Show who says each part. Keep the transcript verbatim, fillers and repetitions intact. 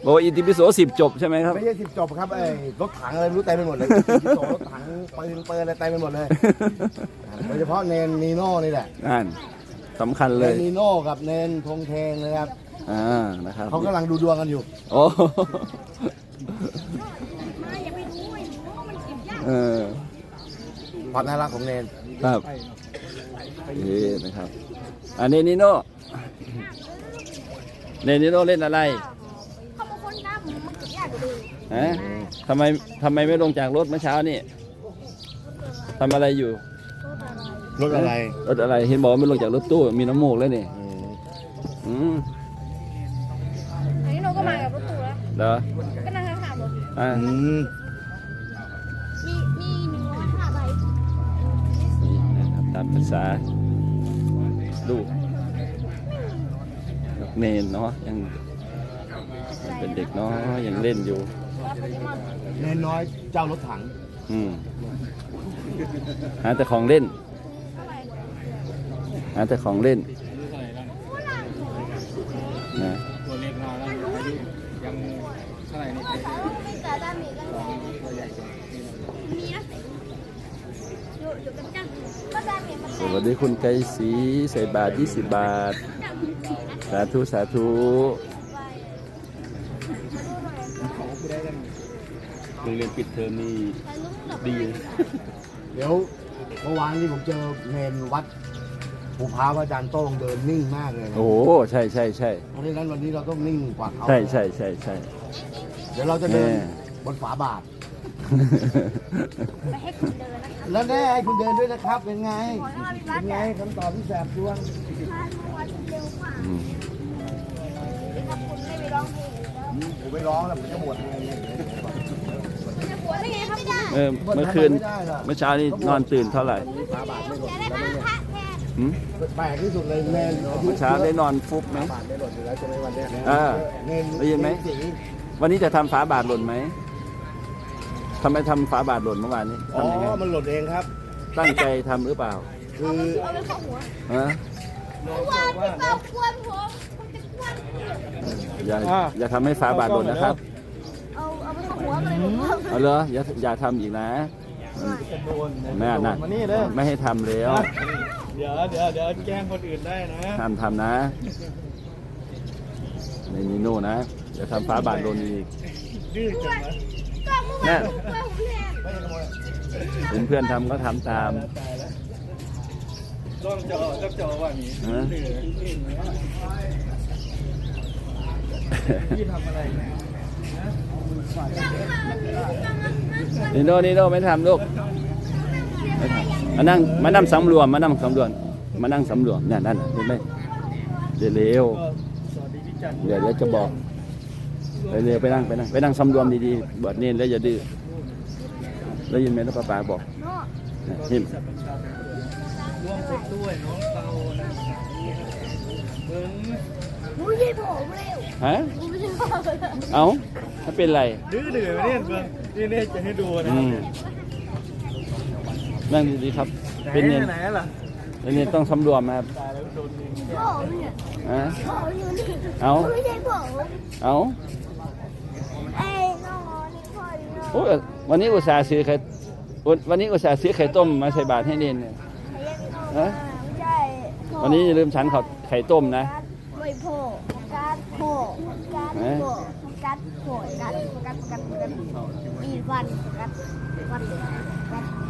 Speaker 1: อ้อิติปิโสสิบจบใช่ไหมครับ
Speaker 2: ไม่ใช่สิบจบครับไอ้รถถังอะไรไม่รู้เต็มไปหมดเลยรถถังปืนเปิดอะไรเต็มไปหมดเลยโดยเฉพาะเนนนีโน่นี่แหละ
Speaker 1: นั่นสำคัญเลย
Speaker 2: เนนนีโน่กับเนนธงเทงนะครับ
Speaker 1: อ่านะครับ
Speaker 2: เขากำลังดูดวงกันอยู่
Speaker 1: โอ้เออ
Speaker 2: ความน่ารักของเนน
Speaker 1: ครับนี่นะครับอันนี้นิโน่เนนิโน่เล่นอะไรฮะทำไมทำไมไม่ลงจากรถเมื่อเช้านี่ทำอะไรอยู่
Speaker 2: รถอะไร
Speaker 1: รถอะไรเห็นบอกไม่ลงจากรถตู้มีน้ำมูกแล้วนี่อืม
Speaker 3: อันนี้โนก็มากับรถตู้แล้ว
Speaker 1: เหรอ
Speaker 3: ก็นั่งข้างๆรถ
Speaker 1: อ่า
Speaker 3: มีมีหนึ่งร้อยห้าใบ
Speaker 1: นี่นะครับตามภาษาลูกเนนเนาะยังเป็นเด็กเนาะยังเล่นอยู่
Speaker 2: เนนน้อยเจ้ารถถัง
Speaker 1: อืมหาแต่ของเล่นหาแต่ของเล่นนะ
Speaker 4: ตัวเล็กน้อยแล้วอายุยังเท่าไหร่นี่ตัวใหญ่สุด
Speaker 1: สวัสดีคุณไกรศรีใส่บาทยี่สิบบาทสาธุสาธุโรงเรียนปิดเทอมนี่ดี
Speaker 2: เดี๋ยวเมื่อวานที่ผมเจอเนนวัดภูพร้าวอาจารย์โต้งเดินนิ่งมากเลย
Speaker 1: โอ้ใช่ใช่ใช่
Speaker 2: เพราะฉะนั้นวันนี้เราต้องนิ่งกว่าเขา
Speaker 1: ใช่ใช่ใช่ใช่
Speaker 2: เดี๋ยวเราจะเดินบนฝาบาท
Speaker 3: ไปให้คุณเดินนะคะ
Speaker 2: แล้วแน่ให้คุณเดินด้วยนะครับเป็นไงเป็นไงคำตอบที่แสบดวง
Speaker 3: คุณไม่ไปร้องเพลง
Speaker 2: ผมไม่ร้องแล้วผมจะบวชเอง
Speaker 3: จะบวชได้ไงครับไม่ได้
Speaker 1: เออเมื่อคืนเมื่อเช้านี่นอนตื่นเท่าไหร่
Speaker 2: ฝาบาทไม่หล่นแล้ว
Speaker 1: เนี่ย
Speaker 2: แปลกที่สุดเลยเนน
Speaker 1: เมื่อเช้าได้นอนฟุบไหม
Speaker 2: ฝาบาทไม่หล่นอยู่แล้วใช่ไหมวันนี้
Speaker 1: อ่าได้ยินไหมวันนี้จะทำฝาบาทหล่นไหมทำไมทำฝาบาทหล่นเมื่อวานนี้
Speaker 2: อ๋อมันหล่นเองครับ
Speaker 1: ตั้งใจทำหรือเปล่า
Speaker 2: คือ
Speaker 3: เอาไปเข้าหัว
Speaker 1: ฮะ
Speaker 3: วันที่เป่าควนผม
Speaker 1: อย่าอย่าทำให้ฝาบาทหล่นนะครับ
Speaker 3: เอาเอาไปเข้าหัวเลยผม
Speaker 1: เอาเลยอย่าอย่าทำอีกนะแม่น่ะไม่ให้ทำแล้ว
Speaker 4: เดี๋ยวเดี๋ยวเดี๋ยวแกล้งคนอื่นได้นะ
Speaker 1: ทำทำนะในนิโน่นะอย่าทำฝาบาทหล่นอีก
Speaker 4: ดื้อจังนะ
Speaker 1: แม่เห็นเพื่อนทำก็ทำตาม
Speaker 4: ต้องเจาะต้องเจาะว่านี้พี่ทำอะไร
Speaker 1: นิโน่นิโน่ไม่ทำลูกมานั่งมานั่งสำรวมมานั่งสำรวมมานั่งสำรวมเนี่ยนั่นเห็นไหมเดี๋ยวเร็วเดี๋ยวเดี๋ยวจะบอกไปเร็วไปนั่งไปนั่งไปนั่งสำรวมดีๆบวชเน้นแล้วอย่าดื้อได้ยินไหมแล้วป้าป๋าบอกเห็น
Speaker 4: ร่วมเป็นด้วยน้องเตานะเบิ้ง
Speaker 3: มุ้ยผมเร็ว
Speaker 1: ฮะเอาถ้าเป็นไร
Speaker 4: ดื้อดื้อเนี่ยเบิ้งนี่เนี่ยจะให้ดูนะ
Speaker 1: นั่งดีๆครับเป็นเน้น
Speaker 4: ไหนล่ะ
Speaker 1: เป็นเน้นต้องสำรวมครับฮะเอาเอาโอ้วันนี้อุตส่าห์ซื้อไข่วันนี้อุตส่าห์ซื้อไข่ต้มมาใส่บาตรให้เนนเนี่ยฮะวันนี้อย่าลืมฉันเขาไข่ต้มนะ
Speaker 3: ไม่โผล่กัดโผล่กัดโผล่กัดโผล่กัดกัดกัดกัดอีวันกัดกัดกัด